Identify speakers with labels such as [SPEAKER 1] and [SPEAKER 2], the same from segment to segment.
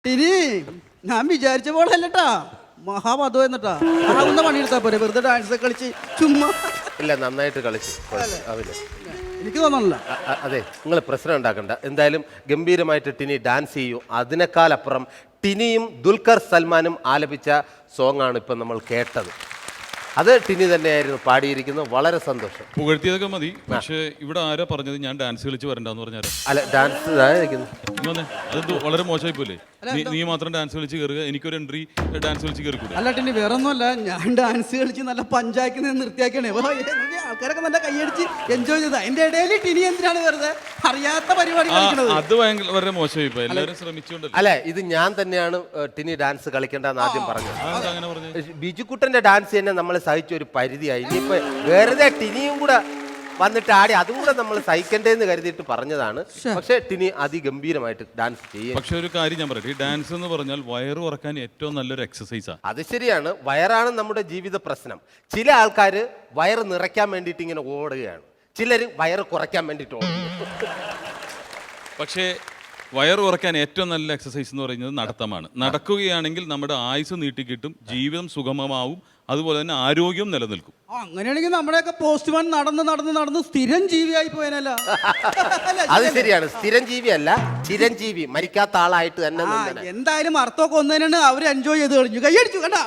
[SPEAKER 1] ഇനി ഞാൻ വിചാരിച്ച പോലെ അല്ലട്ടാ, മഹാപദം എന്നിട്ടാ ആവുന്ന പണിയെടുത്താ പോരെ, വെറുതെ ഡാൻസ് കളിച്ച് ചുമ്മാ.
[SPEAKER 2] ഇല്ല, നന്നായിട്ട് കളിച്ചു അവന്.
[SPEAKER 1] എനിക്ക് തോന്നണില്ല.
[SPEAKER 2] അതെ, നിങ്ങൾ പ്രശ്നം ഉണ്ടാക്കണ്ട. എന്തായാലും ഗംഭീരമായിട്ട് ടിനി ഡാൻസ് ചെയ്യൂ. അതിനേക്കാളപ്പുറം ടിനിയും ദുൽഖർ സൽമാനും ആലപിച്ച സോങ്ങാണ് ഇപ്പം നമ്മൾ കേട്ടത്. അത് ടിനി തന്നെയായിരുന്നു പാടിയിരിക്കുന്നത്. വളരെ സന്തോഷം.
[SPEAKER 3] പുകഴ്ത്തിയതൊക്കെ മതി. പക്ഷേ ഇവിടെ ആരാ പറഞ്ഞത് ഞാൻ ഡാൻസ് കളിച്ച് വരണ്ടെന്ന് പറഞ്ഞാൽ?
[SPEAKER 2] അല്ല, ഡാൻസ്
[SPEAKER 3] അത് വളരെ മോശമായി പോലെ. നീ മാത്രം ഡാൻസ് കളിച്ച് കയറുക, എനിക്കൊരു എൻട്രി ഡാൻസ് കളിച്ച് കയറിക്കൂടെ?
[SPEAKER 1] അല്ല ടിനി, വേറെ ഒന്നുമല്ല, ഞാൻ ഡാൻസ് കളിച്ച് നല്ല പഞ്ചായത്തിൽ നിന്ന് നിർത്തിയാക്കണേ. ആൾക്കാരൊക്കെ നല്ല കൈയടിച്ച് എൻജോയ് ചെയ്ത അതിന്റെ ഇടയിൽ ടിനി എന്തിനാണ് വെറുതെ അറിയാത്ത പരിപാടി കളിക്കുന്നത്?
[SPEAKER 3] അത് വളരെ മോശമായി പോയി. എല്ലാവരും ശ്രമിച്ചുകൊണ്ടല്ലോ.
[SPEAKER 2] അല്ലെ, ഇത് ഞാൻ തന്നെയാണ് ടിനി ഡാൻസ് കളിക്കേണ്ടെന്ന് ആദ്യം പറഞ്ഞത്.
[SPEAKER 3] അങ്ങനെ പറഞ്ഞു.
[SPEAKER 2] ബിജുക്കുട്ടന്റെ ഡാൻസ് തന്നെ നമ്മൾ സഹിച്ച ഒരു പരിധിയായി. ഇനിയിപ്പോ വെറുതെ ടിനിയും കൂടെ വന്നിട്ട് ആടി അതും കൂടെ നമ്മൾ സഹിക്കണ്ടേന്ന് കരുതിയിട്ട് പറഞ്ഞതാണ്. പക്ഷെ ടിനി അതിഗംഭീരമായിട്ട് ഡാൻസ് ചെയ്യും.
[SPEAKER 3] പക്ഷെ ഒരു കാര്യം ഞാൻ പറയട്ടെ, ഈ ഡാൻസ് എന്ന് പറഞ്ഞാൽ വയറ് കുറക്കാൻ ഏറ്റവും നല്ലൊരു എക്സസൈസാണ്.
[SPEAKER 2] അത് ശരിയാണ്, വയറാണ് നമ്മുടെ ജീവിത പ്രശ്നം. ചില ആൾക്കാർ വയറ് നിറയ്ക്കാൻ വേണ്ടിയിട്ട് ഇങ്ങനെ ഓടുകയാണ്, ചിലർ വയറ് കുറയ്ക്കാൻ വേണ്ടിയിട്ട് ഓടുകയാണ്.
[SPEAKER 3] പക്ഷേ വയറ് കുറയ്ക്കാൻ ഏറ്റവും നല്ല എക്സസൈസ് എന്ന് പറയുന്നത് നടത്തമാണ്. നടക്കുകയാണെങ്കിൽ നമ്മുടെ ആയുസ് നീട്ടിക്കിട്ടും, ജീവിതം സുഗമമാവും, അതുപോലെ തന്നെ ആരോഗ്യം നിലനിൽക്കും.
[SPEAKER 1] അങ്ങനെയാണെങ്കിൽ നമ്മുടെയൊക്കെ പോസ്റ്റ്മാൻ നടന്ന് നടന്ന് നടന്ന് സ്ഥിരം ജീവിയായി പോയനല്ല.
[SPEAKER 2] അത് ശരിയാണ്, സ്ഥിരം ജീവിയല്ല, ചിരഞ്ജീവി, മരിക്കാത്ത ആളായിട്ട് തന്നെ.
[SPEAKER 1] എന്തായാലും അർത്ഥമൊക്കെ ഒന്നതിനാണ് അവർ എൻജോയ് ചെയ്ത് കളിഞ്ഞു, കൈയടിച്ചു കേട്ടാ.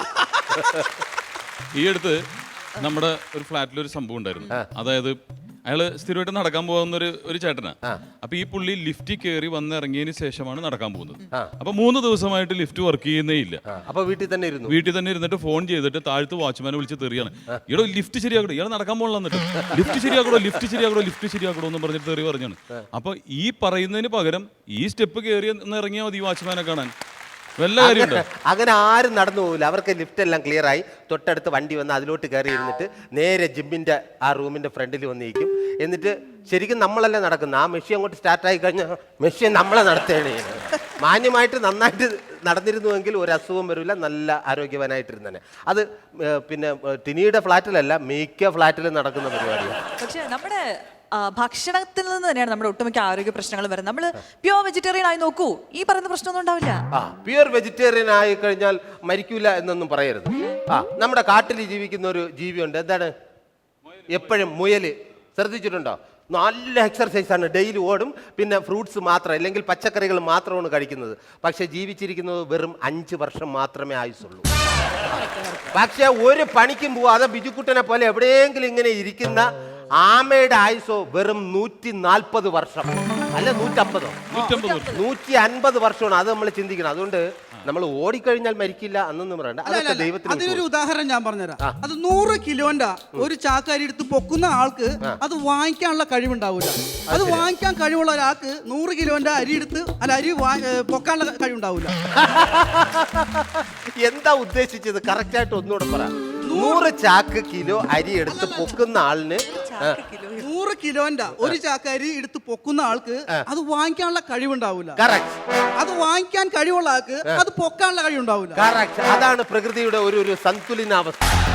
[SPEAKER 3] ഈ അടുത്ത് നമ്മുടെ ഒരു ഫ്ലാറ്റിൽ ഒരു സംഭവം ഉണ്ടായിരുന്നു. അതായത് അയാള് സ്ഥിരമായിട്ട് നടക്കാൻ പോകുന്ന ഒരു ചേട്ടനാ. അപ്പൊ ഈ പുള്ളി ലിഫ്റ്റിൽ കയറി വന്നിറങ്ങിയതിന് ശേഷമാണ് നടക്കാൻ പോകുന്നത്. അപ്പൊ 3 ദിവസമായിട്ട് ലിഫ്റ്റ് വർക്ക് ചെയ്യുന്നേ ഇല്ല.
[SPEAKER 2] അപ്പൊ വീട്ടിൽ തന്നെ
[SPEAKER 3] ഇരുന്നിട്ട് ഫോൺ ചെയ്തിട്ട് താഴത്ത് വാച്ച്മാനെ വിളിച്ച് തെറിയാണ്, ഇയാളോ ലിഫ്റ്റ് ശരിയാക്കണോ, ഇയാൾ നടക്കാൻ പോകണം എന്നിട്ട് ലിഫ്റ്റ് ശരിയാക്കണോ എന്ന് പറഞ്ഞിട്ട് തെറി പറഞ്ഞാണ്. അപ്പൊ ഈ പറയുന്നതിന് പകരം ഈ സ്റ്റെപ്പ് കയറി ഇറങ്ങിയാൽ മതി വാച്ച്മാനെ കാണാൻ. വല്ല കാര്യമുണ്ട്?
[SPEAKER 2] അങ്ങനെ ആരും നടന്നു പോകില്ല. അവർക്ക് ലിഫ്റ്റ് എല്ലാം ക്ലിയർ ആയി, തൊട്ടടുത്ത് വണ്ടി വന്ന് അതിലോട്ട് കയറി ഇരുന്നിട്ട് നേരെ ജിമ്മിന്റെ ആ റൂമിന്റെ ഫ്രണ്ടിൽ വന്നിരിക്കും. എന്നിട്ട് ശരിക്കും നമ്മളല്ലേ നടക്കുന്നത്. ആ മെഷീൻ അങ്ങോട്ട് സ്റ്റാർട്ടായി കഴിഞ്ഞാൽ മെഷീൻ നമ്മളെ നടത്തുകയാണ് ചെയ്യുന്നത്. മാന്യമായിട്ട് നന്നായിട്ട് നടന്നിരുന്നുവെങ്കിൽ ഒരു അസുഖം വരില്ല, നല്ല ആരോഗ്യവാനായിട്ടിരുന്നേ. അത് പിന്നെ ടിനിയുടെ ഫ്ലാറ്റിലല്ല, മിക്ക ഫ്ലാറ്റിലും നടക്കുന്ന പരിപാടിയാണ്.
[SPEAKER 4] പക്ഷേ നമ്മുടെ ഭക്ഷണത്തിൽ നിന്ന് തന്നെയാണ് നമ്മുടെ ഒട്ടുമിക്ക ആരോഗ്യ പ്രശ്നങ്ങൾ വരുന്നത്. നമ്മൾ പ്യുവർ വെജിറ്റേറിയൻ ആയി നോക്കൂ, ഈ പറയുന്ന പ്രശ്നമൊന്നും ഉണ്ടാവില്ല.
[SPEAKER 2] പ്യുവർ വെജിറ്റേറിയൻ ആയി കഴിഞ്ഞാൽ മരിക്കൂല എന്നൊന്നും പറയരുത്. നമ്മുടെ കാട്ടിൽ ജീവിക്കുന്ന ഒരു ജീവിയുണ്ട്, എന്താണ്, എപ്പോഴും മുയല്. ശ്രദ്ധിച്ചിട്ടുണ്ടോ? നല്ല എക്സർസൈസാണ്, ഡെയിലി ഓടും, പിന്നെ ഫ്രൂട്ട്സ് മാത്രം അല്ലെങ്കിൽ പച്ചക്കറികൾ മാത്രമാണ് കഴിക്കുന്നത്. പക്ഷെ ജീവിച്ചിരിക്കുന്നത് വെറും 5 വർഷം മാത്രമേ ആയുസുള്ളൂ. പക്ഷെ ഒരു പണിക്കും പോവാതെ ബിജുക്കുട്ടനെ പോലെ എവിടെയെങ്കിലും ഇങ്ങനെ ഇരിക്കുന്ന ആമയുടെ ആയുസോ വെറും 140 വർഷം, അല്ല 150, 150 വർഷമാണ്. അത് നമ്മൾ ചിന്തിക്കണം. അതുകൊണ്ട് നമ്മൾ ഓടിക്കഴിഞ്ഞാൽ മരിക്കില്ല എന്നൊന്നും പറയണ്ട. അതൊക്കെ ദൈവത്തിന്.
[SPEAKER 1] അതിനൊരു ഉദാഹരണം ഞാൻ പറഞ്ഞുതരാം. അത് 100 കിലോന്റെ ഒരു ചാക്കരി എടുത്ത് പൊക്കുന്ന ആൾക്ക് അത് വാങ്ങിക്കാനുള്ള കഴിവുണ്ടാവില്ല. അത് വാങ്ങിക്കാൻ കഴിവുള്ള ഒരാൾക്ക് 100 കിലോന്റെ അരി എടുത്ത് അരി പൊക്കാനുള്ള കഴിവുണ്ടാവില്ല.
[SPEAKER 2] എന്താ ഉദ്ദേശിച്ചത്? കറക്റ്റ് ആയിട്ട് ഒന്നുകൂടെ പറ. 100 ചാക്ക് കിലോ അരി എടുത്ത് പൊക്കുന്ന ആളിന്
[SPEAKER 1] 100 കിലോന്റെ ഒരു ചാക്ക് അരി എടുത്ത് പൊക്കുന്ന ആൾക്ക് അത് വാങ്ങിക്കാനുള്ള കഴിവുണ്ടാവില്ല. അത് വാങ്ങിക്കാൻ കഴിവുള്ള ആൾക്ക് അത് പൊക്കാനുള്ള കഴിവുണ്ടാവില്ല.
[SPEAKER 2] അതാണ് പ്രകൃതിയുടെ ഒരു സന്തുലിതാവസ്ഥ.